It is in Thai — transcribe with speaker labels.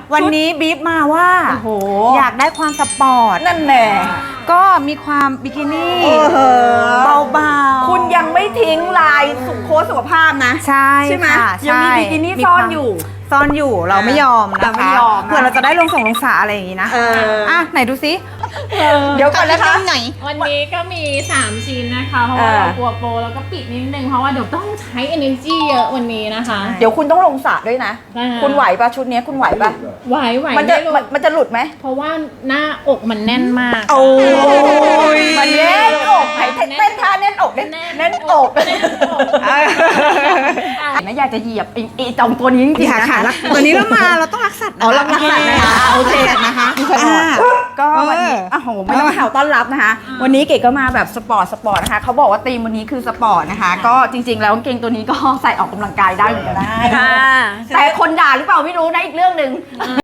Speaker 1: วันนี้บีบมาว่า
Speaker 2: โอ้โห
Speaker 1: อยากได้ความสปอร์ต
Speaker 2: นั่นแน่
Speaker 1: ก็มีความบิกินี่ เบาๆ
Speaker 2: คุณยังไม่ทิ้งลายโค้ชสุขภาพนะ
Speaker 1: ใช่
Speaker 2: ใช่ไหม
Speaker 1: ค่ะ
Speaker 2: ยังมีบิกินี่ซ่อนอยู่
Speaker 1: ซ่อนอยู่เราไม่ยอม
Speaker 2: เรา
Speaker 1: นะ
Speaker 2: ไม่
Speaker 1: คะ
Speaker 2: ยอมนะ
Speaker 1: เผื่อเราจะได้ลงสาอะไรอย่างงี้นะ อ่ะไหนดูซิ
Speaker 2: เดี๋ยวก่อนนะคะ
Speaker 1: ไหน
Speaker 3: วันนี้ก็มี 3 ชิ้นนะคะ เพราะว่าเรากลัวโปรแล้วก็ปิดนิดนึง เพราะว่าเดี๋ยวต้องใช้ energy เยอะวันนี้นะคะ
Speaker 2: เดี๋ยวคุณต้องลงสระด้วยนะ
Speaker 3: ได้ค่ะ
Speaker 2: คุณไหวปะชุดนี้คุณไหวปะ
Speaker 3: ไหว
Speaker 2: มันจะ
Speaker 3: ไม่รู้
Speaker 2: มันจะหลุดไหม
Speaker 3: เพราะว่าหน้าอกมันแน่นมาก
Speaker 1: โอ้ย
Speaker 2: มันแน่นอกไหนเต้นท่าแน่นอกแน่นอก
Speaker 3: แน่นอก
Speaker 2: ไม่อยากจะเหยียบไอ้จอมตัวนี้จริงๆ
Speaker 1: ค่ะ
Speaker 2: นะ
Speaker 1: ค่ะ
Speaker 2: คะ
Speaker 1: ตัวนี้เราต้องรักสัตว์
Speaker 2: อ๋อรักสัตว์นะคะโอเค
Speaker 1: นะคะ
Speaker 2: ก็วันนี้โอ้โหไม่ต้องแถวต้อนรับนะคะ วันนี้เก๋ก็มาแบบสปอร์ตนะคะเขาบอกว่าธีมวันนี้คือสปอร์ตนะคะ ก็จริงๆแล้วกางเกงตัวนี้ก็ใส่ออกกำลังกายได้เหมือนกันได้แต่คนด่าหรือเปล่าไม่รู้นะอีกเรื่องหนึ่ง